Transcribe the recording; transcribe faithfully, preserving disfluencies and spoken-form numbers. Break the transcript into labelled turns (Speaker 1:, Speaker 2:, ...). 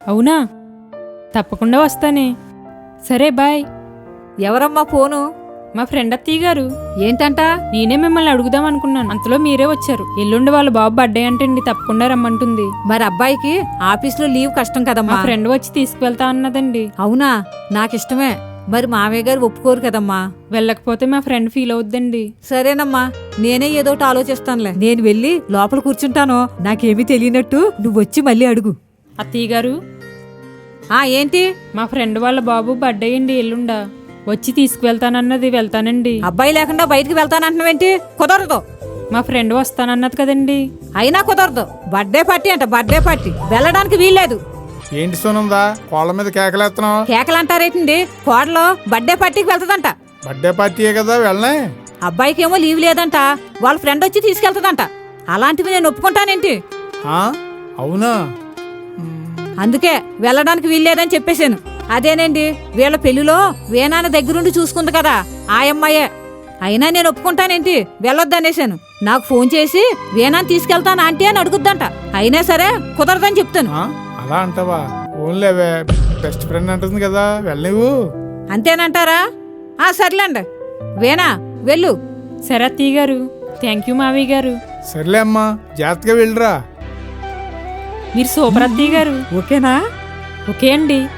Speaker 1: అవునా? తప్పకుండా వస్తానే. సరే బాయ్.
Speaker 2: ఎవరమ్మా ఫోను?
Speaker 1: మా ఫ్రెండ్ అత్తయ్య గారు.
Speaker 2: ఏంటంట?
Speaker 1: నేనే మిమ్మల్ని అడుగుదాం అనుకున్నాను, అంతలో మీరే వచ్చారు. ఎల్లుండి వాళ్ళ బాబు బర్త్డే అంటండి, తప్పకుండా రమ్మంటుంది.
Speaker 2: మరి అబ్బాయికి ఆఫీస్లో లీవ్ కష్టం
Speaker 1: మా
Speaker 2: కదమ్మా.
Speaker 1: ఫ్రెండ్ వచ్చి తీసుకువెళ్తా అన్నదండి.
Speaker 2: అవునా? నాకిష్టమే. మరి మామయ్య గారు ఒప్పుకోరు కదమ్మా.
Speaker 1: వెళ్ళకపోతే మా ఫ్రెండ్ ఫీల్ అవుద్దండి.
Speaker 2: సరేనమ్మా, నేనే ఏదోటి ఆలోచిస్తానులే. నేను వెళ్ళి లోపల కూర్చుంటాను. నాకేమీ తెలియనట్టు నువ్వు వచ్చి మళ్ళీ అడుగు.
Speaker 1: అత్తయ్య గారు,
Speaker 2: ఆ ఏంటి?
Speaker 1: మా ఫ్రెండ్ వాళ్ళ బాబు బర్త్డే అండి ఎల్లుండా. వచ్చి తీసుకువెళ్తానన్నది. వెళ్తానండి.
Speaker 2: అబ్బాయి లేకుండా బయటికి వెళ్తానంటున్నావేంటి? కుదరదు.
Speaker 1: మా ఫ్రెండ్ వస్తానన్నది కదండి.
Speaker 2: అయినా కుదరదు. బర్త్డే పార్టీ అంట, బర్త్డే పార్టీ. వెళ్ళడానికి వీల్లేదు.
Speaker 3: ఏంటి సోనుందా కోళ్ళ మీద కేకలేస్తున్నావు?
Speaker 2: కేకలంటారేంటండి? కోడలో బర్త్డే పార్టీకి వెళ్తదంట.
Speaker 3: బర్త్డే పార్టీయే కదా వెళ్ళనే.
Speaker 2: అబ్బాయికి ఏమో లీవ్ లేదంట, వాళ్ళ ఫ్రెండ్ వచ్చి తీసుకెళ్తదంట. అలాంటివి నేను ఒప్పుకుంటానేంటి?
Speaker 3: ఆ, అవునా?
Speaker 2: అందుకే వెళ్ళడానికి వీల్లేదని చెప్పేశాను. అదేనండి, వీళ్ళ పెళ్లిలో వేనాన్న దగ్గరుండి చూసుకుంది కదా ఆ అమ్మాయే. అయినా నేను ఒప్పుకుంటానేంటి? వెళ్ళొద్దనేశాను. నాకు ఫోన్ చేసి వేనాన్ని తీసుకెళ్తాను ఆంటీ అని అడుగుద్దంట. అయినా సరే కుదరదని చెప్తాను.
Speaker 3: ఆ, అలా అంటావా? ఓన్లేవే, బెస్ట్ ఫ్రెండ్ అంటుంది కదా, వెళ్ళనివ్వు.
Speaker 2: అంతేనంటారా? ఆ సర్లేండి, వేనా వెళ్ళు.
Speaker 1: సరే అత్తయ్య గారు. థ్యాంక్ యూ మావయ్య గారు.
Speaker 3: సర్లే అమ్మా, జాగ్రత్తగా వెళ్ళరా.
Speaker 1: మీరు సూపర్ అత్తయ్య గారు.
Speaker 2: ఓకేనా?
Speaker 1: ఓకే అండి.